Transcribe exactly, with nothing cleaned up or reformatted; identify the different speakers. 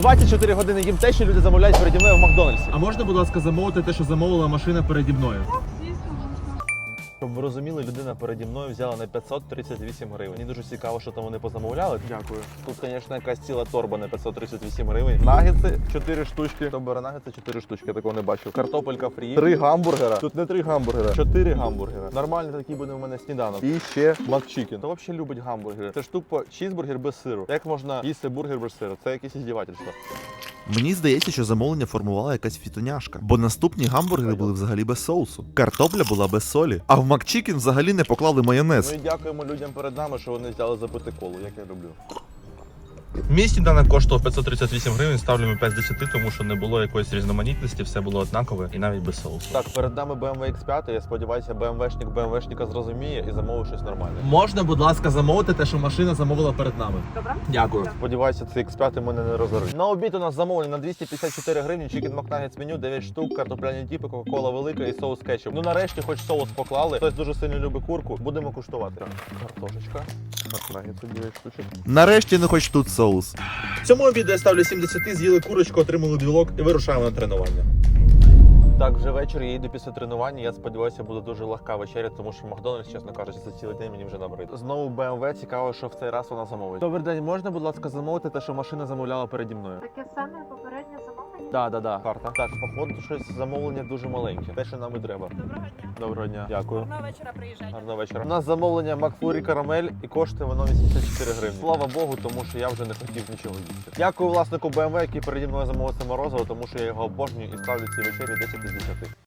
Speaker 1: двадцять чотири години їм те, що люди замовляють переді мною в Макдональдсі.
Speaker 2: А можна, будь ласка, замовити те, що замовила машина переді мною?
Speaker 1: Щоб ви розуміли, людина переді мною взяла на п'ятсот тридцять вісім гривень. Мені дуже цікаво, що там вони позамовляли.
Speaker 2: Дякую.
Speaker 1: Тут, звісно, якась ціла торба на п'ятсот тридцять вісім гривень. Нагетси чотири штучки. Хто бере нагетси чотири штучки, я такого не бачив. Картопелька фрі. Три гамбургера. Тут не три гамбургера, чотири гамбургера. Нормальний такий буде у мене сніданок. І ще макчикен. Хто взагалі любить гамбургери? Це ж тупо чізбургер без сиру. Як можна їсти бургер без сиру? Це якесь іздівательство.
Speaker 3: Мені здається, що замовлення формувала якась фітоняшка, бо наступні гамбургери були взагалі без соусу. Картопля була без солі, а в макчикен взагалі не поклали майонез.
Speaker 1: Ну і дякуємо людям перед нами, що вони взяли запити колу, як я люблю.
Speaker 2: Мій сніданок коштував п'ятсот тридцять вісім гривень, ставлю ми п'ять з десяти, тому що не було якоїсь різноманітності, все було однакове і навіть без соусу.
Speaker 1: Так, перед нами бе ем ве ікс п'ять, я сподіваюся, БМВшник БМВшника зрозуміє і замовить щось нормальне.
Speaker 2: Можна, будь ласка, замовити те, що машина замовила перед нами?
Speaker 4: Добре.
Speaker 2: Дякую.
Speaker 1: Сподіваюся, цей ікс п'ять мене не розорить. На обід у нас замовлення на двісті п'ятдесят чотири гривні, чікен макнагетс меню, дев'ять штук, картопляні тіпи, кока-кола велика і соус кетчуп. Ну нарешті хоч соус поклали. Хтось дуже сильно любить курку, будемо куштувати. Так, картошечка, макнагетси дев'ять штучок.
Speaker 3: Нарешті не хоч тут соус.
Speaker 2: Цьому обіду я ставлю сім з десяти, з'їли курочку, отримали білок і вирушаємо на тренування.
Speaker 1: Так, вже вечір, я йду після тренування. Я сподіваюся, буде дуже легка вечеря, тому що Макдональдс, чесно кажучи, за цілий день мені вже набрид. Знову бе ем ве, цікаво, що в цей раз вона замовить. Добрий день, можна, будь ласка, замовити те, що машина замовляла переді мною?
Speaker 4: Таке саме попереднє замовлення.
Speaker 1: Так, так, так. Карта. Так, походу, щось замовлення дуже маленьке. Те, що нам і треба.
Speaker 4: Доброго дня.
Speaker 1: Доброго дня. Дякую.
Speaker 4: Гарного вечора, приїжджайте.
Speaker 1: Гарного вечора. У нас замовлення Макфлурі Карамель і коштує воно вісімдесят чотири гривні. Слава Богу, тому що я вже не хотів нічого їсти. Дякую власнику бе ем ве, який переді мною замовив це морозиво, тому що я його обожнюю і ставлю цій вечері десять із десяти.